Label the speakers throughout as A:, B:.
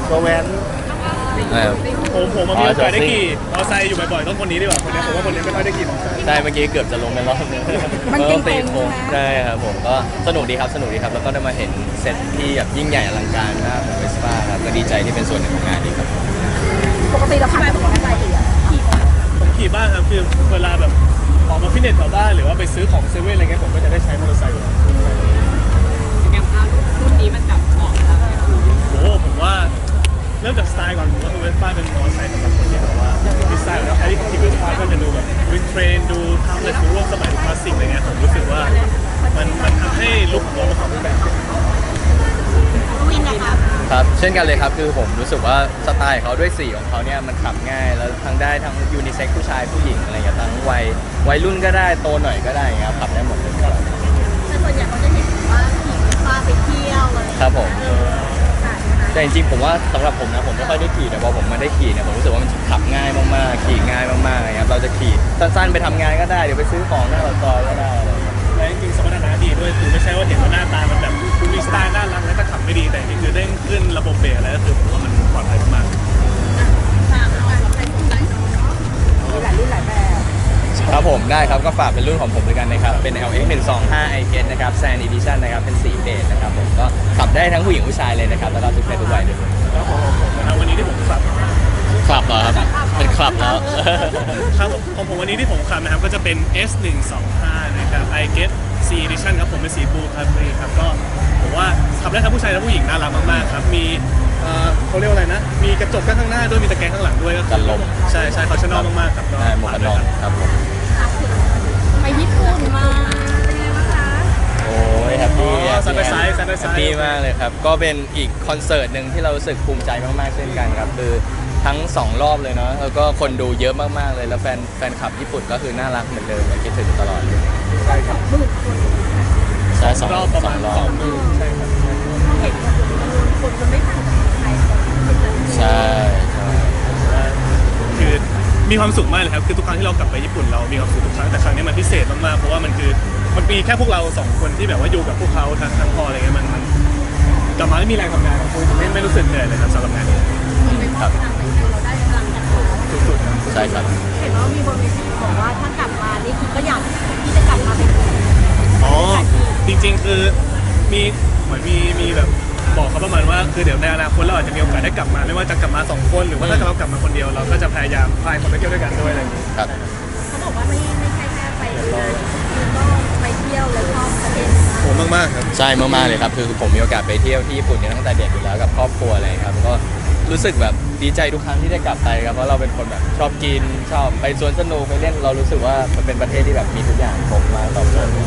A: ตัวแว้นผมมีโอกาสได้ขี่มอเตอร์ไซค์อยู่บ่อยๆต้องคนนี้ดีกว่าคนนี้ผมว่าคนนี้ไม่ค่อยได้ขี่มอเตอร์ไซค์
B: ใช่เมื่อกี้เกือบจะลงกันรอบนึง
C: มันเก่ง
B: ตีโค้งใช่ครับผมก็สนุกดีครับแล้วก็ได้มาเห็นเซตที่แบบยิ่งใหญ่อลังการมากของเวสป้าครับก็ดีใจที่เป็นส่วนหนึ่งของงานนี้ครับ
C: ปกติเราขับมอเตอร์ไซค์
A: ผมขี่บ้างครับคือเวลาแบบออกมาฟิตเนสแถวบ้านหรือว่าไปซื้อของเซเว่นอะไรเงี้ยผมก็จะได้ใช้มอเตอร์ไซค์อยู่
D: อย่างภาพรุ่นนี้มันแบบเหมาะกับ
A: โอ้ผมว่าเริ่มจากสไตล์ก่อนผมว่าเวสป้าเป็นมอเตอร์ไซค์สำหรับคนที่แบบว่าดีไซน์แล้วใครที่ขับขี่เวสป้าก็จะดูแบบวินเทรนดูทำเลยดูร่วมสมัยคลาสสิกอะไรเงี้ยผมรู้สึกว่ามันทำให้ลุคของเราเป็นแบบ
C: วินนะคะ
B: ครับเช่นกันเลยครับคือผมรู้สึกว่าสไตล์เขาด้วยสีของเขาเนี่ยมันขับง่ายแล้วทั้งได้ทั้งยูนิเซ็กผู้ชายผู้หญิงอะไรอย่างเงี้ยทั้งวัยรุ่นก็ได้โตหน่อยก็ได้ครับขับได้หมดเลยครับ
C: แต่ส่วนใหญ่เขาจะเห็นว่าขี่เวสป้าไปเที่ยวอะไร
B: ครับผมแต่จริงๆผมว่าสำหรับผมนะผมไม่ค่อยได้ขี่แต่พอผมมาได้ขี่เนี่ยผมรู้สึกว่ามันขับง่ายมากๆขี่ง่ายมากๆครับเราจะขี่สั้นๆไปทำงานก็ได้เดี๋ยวไปซื้อของหน้าปากซอยก็ได้
A: และจริงๆสมรรถนะดีด้วยคือไม่ใช่ว่าเห็นว่าหน้าตามันแบบมีสไตล์น่ารักแล้วก็ขับไม่ดีแต่จริงๆคือเด้งขึ้นระบบเบรกอะไรก็คือผมว่ามันปลอดภัยมาก
C: มีหลายรุ่นหลายแบบ
B: ครับผมได้ครับก็ฝากเป็นรุ่นของผมด้วยกันนะครับเป็น LX 125 i-Get นะครับ Sand Edition นะครับเป็นสีเบจนะครับผมก็ขับได้ทั้งผู้หญิงผู้ชายเลยนะครับแล้วก็ทุกเพศทุกวัยด้วย
A: แล้วของวันนี้ที่ผมขับ
B: เหรอครับเป็นคลับแล้ว
A: ครับของผมวันนี้ที่ผมขับนะครับก็จะเป็น S125 นะครับ i-Get C Edition ครับผมเป็นสีบลูครับก็ผมว่าขับได้ทั้งผู้ชายและผู้หญิงน่ารักมากๆครับมีเขาเรียกว่าอะไรนะมีกระจกข้างหน้าด้วยมีตะแกรงข้างหลังด้วยก็
B: กันลม
A: ใช่เขาชอบมากๆครับ
B: ใช่หมวกกันน็อกครับผม
C: ไปญี่ปุ่นมาเป็นไงบ้างคะ
B: โอ้ยแฮปปี้
A: แฮป
B: ปี้มากเลยครับก็เป็นอีกคอนเสิร์ตหนึ่งที่เรารู้สึกภูมิใจมากๆเช่นกันครับคือทั้ง2รอบเลยเนาะแล้วก็คนดูเยอะมากๆเลยแล้วแฟนคลับญี่ปุ่นก็คือน่ารักเหมือนเดิมคิดถึงตลอดเลย
A: ใช่ครับ
B: ใช่2 รอบ
A: ประมาณ2 ใช่ครับ
C: เห็นคนมันไม่ต่างจากไทย
B: ใช่
A: คือมีความสุขมากเลยครับคือทุกครั้งที่เรากลับไปญี่ปุ่นเรามีความสุขทุกครั้งแต่ครั้งนี้มันพิเศษมากๆเพราะว่ามันมีแค่พวกเรา2 คนที่แบบว่าอยู่กับพวกเขาทั้งพออะไรเงี้ยมันกลับมาไม่มีแรงทำงานไม่รู้สึกเหนื่อยเลยครับสำหรับงานนี้
C: ครับเราได้พลังจากเขา
A: สุดๆ
B: ใช่ครับ
C: เห็นว่ามีบนเวทีบอกว่าถ้ากลับมานี่คือก็อยากที่จะกลับมาเป็น
A: จริงๆคือเหมือนมีแบบบอกเขาประมาณว่าคือเดี๋ยวในอนาคตเราอาจจะมีโอกาสได้กลับมาไม่ว่าจะกลับมา2 คนหรือว่าถ้าเรากลับมาคนเดียวเราก็จะพยายามพาคนไปเที่ยวด้วยกันด้วยอะไรอย่างนี้
B: ครับ
C: เขาบอกว่าไม่ใช่แค่ไปงานก็ไปเที่ยวแล้วชอบประเทศ
A: โหมากๆครับ
B: ใช่มากๆเลยครับคือผมมีโอกาสไปเที่ยวที่ญี่ปุ่นเนี่ยตั้งแต่เด็กอยู่แล้วกับครอบครัวอะไรครับก็รู้สึกแบบดีใจทุกครั้งที่ได้กลับไปครับเพราะเราเป็นคนแบบชอบกินชอบไปสวนสนุกไปเล่นเรารู้สึกว่ามันเป็นประเทศที่แบบมีทุกอย่างครบมาตอบโจทย์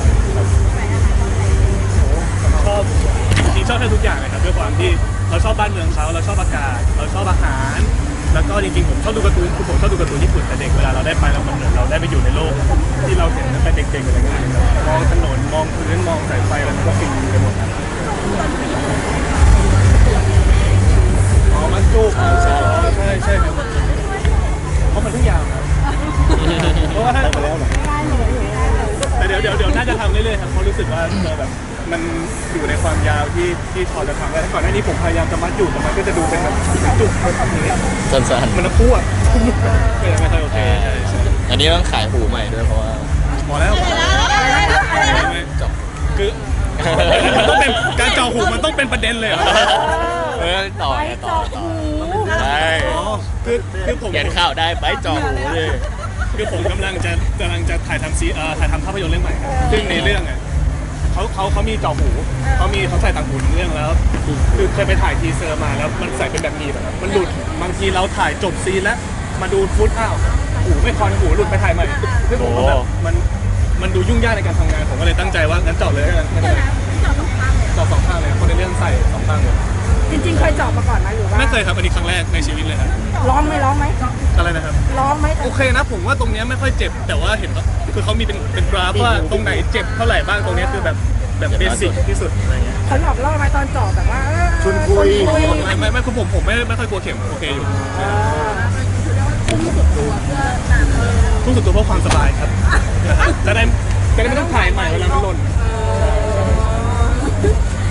A: ชอบจริงชอบแค่ทุกอย่างเลยครับด้วยความที่เราชอบบ้านเมืองเขาเราชอบอากาศเราชอบอาหารแล้วก็จริงๆผมชอบดูการ์ตูนคือผมชอบดูการ์ตูนญี่ปุ่นแต่เด็กเวลาเราได้ไปเรามันเหมือนเราได้ไปอยู่ในโลกที่เราเห็นตั้งแต่เด็กๆอะไรเงี้ยมองถนนมองพื้นมองสายไฟอะไรมันก็ฟินไปหมดมันจูบใช่ครับเพราะมันทุกอย่างครับเพราะว่าถ้าแต่เดี๋ยวน่าจะทำเรื่อยๆครับเพราะรู้สึกว่าแบบมันอยู่ในความยาวที่พอจะทำได้ก่อนหน้านี้ผมพยายามจะมัดอยู่แต่มันก็จะดูเป็นแบบจุกแบบนี้
B: สั้น
A: ๆมันพูดไม่ค่อยโอเค
B: อันนี้ต้องขายหูใหม่ด้วยเพราะว่า
A: พอแล้วจบคือมันต้องเป็นการเจาะหูมันต้องเป็นประเด็นเลย
B: ต่อใช่
A: คือผม
B: เขียนข่าวได้ไปเจาะหูเลย
A: คือผมกำลังจะถ่ายทำภาพยนตร์เรื่องใหม่ซึ่งในเรื่องอ่ะเขามีเจาะหูเขาใส่ต่างหูในเรื่องแล้วคือเคยไปถ่ายทีเซอร์มาแล้วมันใส่เป็นแบบนี้แบบมันหลุดบางทีเราถ่ายจบซีนแล้วมาดูฟุตหูไม่คอนหูหลุดไปถ่ายใหม่ซึ่งผมแบบมันดูยุ่งยากในการทำงานผมก็เลยตั้งใจว่างั้นเจาะเลยกันเจาะ2 ข้างเลยคนในเรื่องใส่2 ข้างเลย
C: จริงๆเคยเจาะมาก่อนไหมหรือว่า
A: ไม่เคยครับอันนี้ครั้งแรกในชีวิตเลยครับ
C: ร้องไหม
A: อะไรนะครับ
C: ร้องไหม
A: โอเคนะผมว่าตรงนี้ไม่ค่อยเจ็บแต่ว่าเห็นคือเขามีเป็นกราฟว่าตรงไหนเจ็บเท่าไหร่บ้างตรงนี้คือแบบเบสิกที่สุดอะไรเงี้ย
C: เขาหลอกล่อไหมตอนเจาะแบบว่า
A: ชวนคุยไม่คือผมไม่ค่อยกลัวเข็มโอเคอยู่ทุ่มสุดตัวเพื่อความสบายครับจะได้ไม่ต้องถ่ายใหม่เวลามันหล่น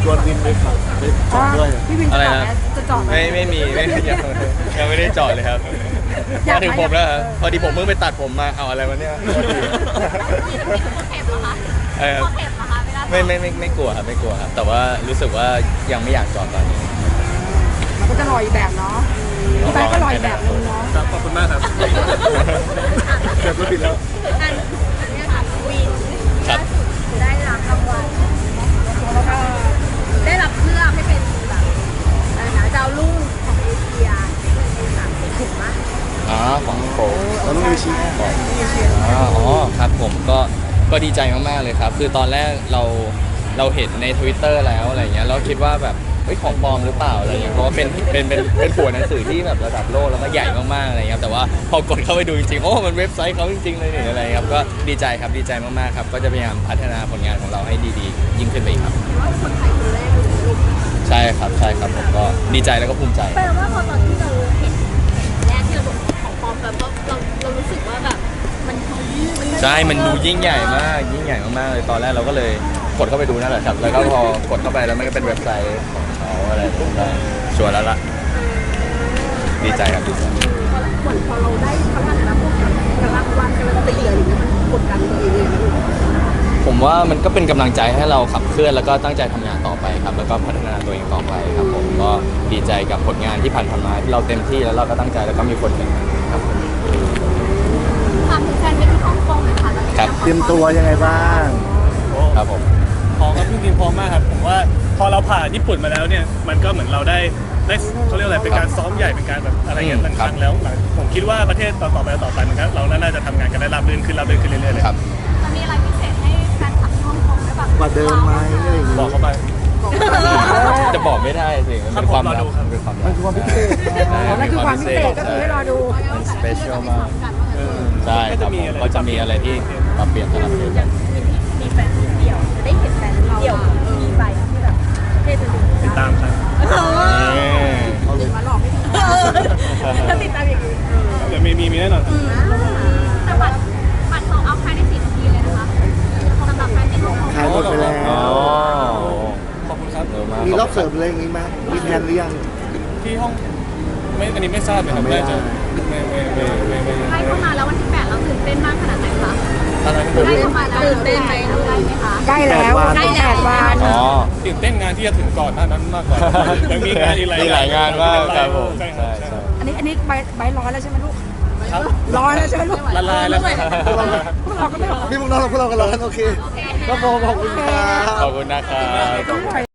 E: ชวนวินไปขับไปจอดด้วย
C: พี่วินจะ
B: อะไร
C: จอด
B: นะ
C: ไหมจะจอดไหม
B: ไม่มียังไม่ได้จอดเลยครับ
C: อยาก
B: มาถึงผมแล้วครับพอดีผมเพิ่งไปตัดผมมาเอาอะไรวะเนี่ย
C: เข็มเหรอคะ
B: เออ
C: เข็มเหรอคะเวลา
B: ไม่กลัวครับไม่กลัวครับแต่ว่ารู้สึกว่ายังไม่อยากจอดตอนนี้
C: มันก็จะลอยอีกแบบเนาะพี่ไบค์ก็ลอยอีกแบบนึงเนาะ
A: ครับขอบคุณมากครับ
E: เกือบก็ผิดแล้ว
C: อันนี้ค่ะวิน
B: ครับ
C: ได้รับรางวัลแล้วก็ได้รับเลือกให้เป็นแบบอะไรนะดาวรุ่งของเอเชียใน30ถูกไหม
B: อ๋อของโปร
E: เราต้องมีชี้
B: อ๋อครับผมก็ดีใจมากๆเลยครับ คือตอนแรกเราเห็นใน Twitter แล้วอะไรเงี้ยเราคิดว่าแบบเฮ้ยของปลอมหรือเปล่าอะไรเงี้ยเพราะว่าเป็นหัวหนังสือที่แบบระดับโลกแล้วก็ใหญ่มากๆอะไรเงี้ยแต่ว่าพอกดเข้าไปดูจริงๆโอ้มันเว็บไซต์เขาจริงๆเลยนี่อะไรครับก็ดีใจครับดีใจมากๆครับก็จะพยายามพัฒนาผลงานของเราให้ดีๆยิ่งขึ้นไปอีกครับ
C: ว่าคนไทยคนแรกเลยลูก
B: ใช่ครับผมก็ดีใจแล้วก็ภูมิใจ
C: แปลว่าพอตอนที่เราเห็นแรกที่เราบอกของปลอมแบบว่าเรารู้สึกว่าแบบมัน
B: ใช่มันดูยิ่งใหญ่มากยิ่งใหญ่มากๆเลยตอนแรกเราก็เลยกดเข้าไปดูนั่นแหละครับแล้วก็พอกดเข้าไปแล้วมันก็เป็นเว็บไซต์ของเขาอะไรผมก็ชัวร์แล้วล่ะดีใจครับดีใจ
C: พอเราได้เขาเรียกอะไรนะพวกรางวัลการันตีอะไรอย่างเงี้ยมันกดดันตัวเองเลยนะลูก
B: ผมว่ามันก็เป็นกำลังใจให้เราขับเคลื่อนแล้วก็ตั้งใจทำงานต่อไปครับแล้วก็พัฒนาตัวเองต่อไปครับผมก็ดีใจกับผลงานที่ผ่านมาที่เราเต็มที่แล้วเราก็ตั้งใจแล้วก็มีคนเห็นครับผม
C: ถามถึงแฟนเป็นที่ฮ่องกงหน่อยค่ะตอนนี้
B: ครับ
E: เตรียมตัวยังไงบ้าง
B: ครับผม
A: พร้อมครับจริงๆพร้อมมากครับผมว่าพอเราผ่านญี่ปุ่นมาแล้วเนี่ยมันก็เหมือนเราได้เขาเรียกอะไรเป็นการซ้อมใหญ่เป็นการแบบอะไรเงี้ยต่างๆแล้วผมคิดว่าประเทศต่อไปมันก็เราน่าจะทำงานกันได้ราบรื่นขึ้นเรื่อยๆเลย
B: ครับ
C: จะมีอะไรพิเศษให้แฟนคลับที่ฮ่องกงได้บ้าง
E: กว่าเดิมไหมอะไรอย่าง
A: บ
E: เงี้
A: อก
E: ย
A: เข้าไป
B: จะบอกไม่ได้สิมันเป็นความ
A: รอดูครับ
B: เป็นความ
E: มันคือความพิเศษ
C: นั่นคือความพิเศษก็คือให้รอดู
B: มันสเปเชียลมากใช่ครับผมก็จะมีอะไรที่ปรับเปลี่ยนตลอดเลย
C: มีแฟนเดี่ยวจะได้เห็นแฟนเดี่ยวมีใบที่แบบเท่จริง
A: ติดตามครับ
E: เอาเลย
C: มาหลอกไม่ถูกถ้าติดตามอย่างนี้
A: เดี๋ยวมีแน่นอน
C: แต่บัตรเขาเอาภายใน4 นาทีเลยนะคะสำหรับแฟนที่ฮ่องกง
E: ขายหมดไปแล้ว
B: อ๋อ
A: ขอบคุณครับ
B: เร็วมาก
E: มีรอบเสริมอะไรอย่างงี้ไหมมีแผนหรือยัง
A: ที่ห้องอันนี้ไม่ทราบเลยครับ
E: ไม่ได้
A: น่าจะไม่
C: ใกล้เข้ามาแล้ววันที่8เราตื่นเต้นมากขนาดไหนคะ
A: ตอนนั้นผม
C: ใกล้เข้ามาแล้วตื่นเต้นไหมได้ไหมคะ
E: ใกล้แล้วใกล้แล้ว
B: อ๋อ
A: ตื่นเต้นงานที่จะถึงก่อนหน้านั้นมากกว่ายังมีงานอีกหลาย
B: มีหลายงานมากครับผม
A: ใช่ค
B: ใช่
A: รับ
B: ใช่
C: อันนี้ใบร้อยแล้วใช่ไหมลูก
A: ครับ
C: ร้อยแล้วใช่ไหมลูก
A: ละลายแล้วครับ
C: พวกเราก็ไม่ร้อย
E: นี่พวกเรากันแล้วโอเคก็พอขอบคุณครับ
B: ขอบคุณนะครับ
C: ต้องปล่อย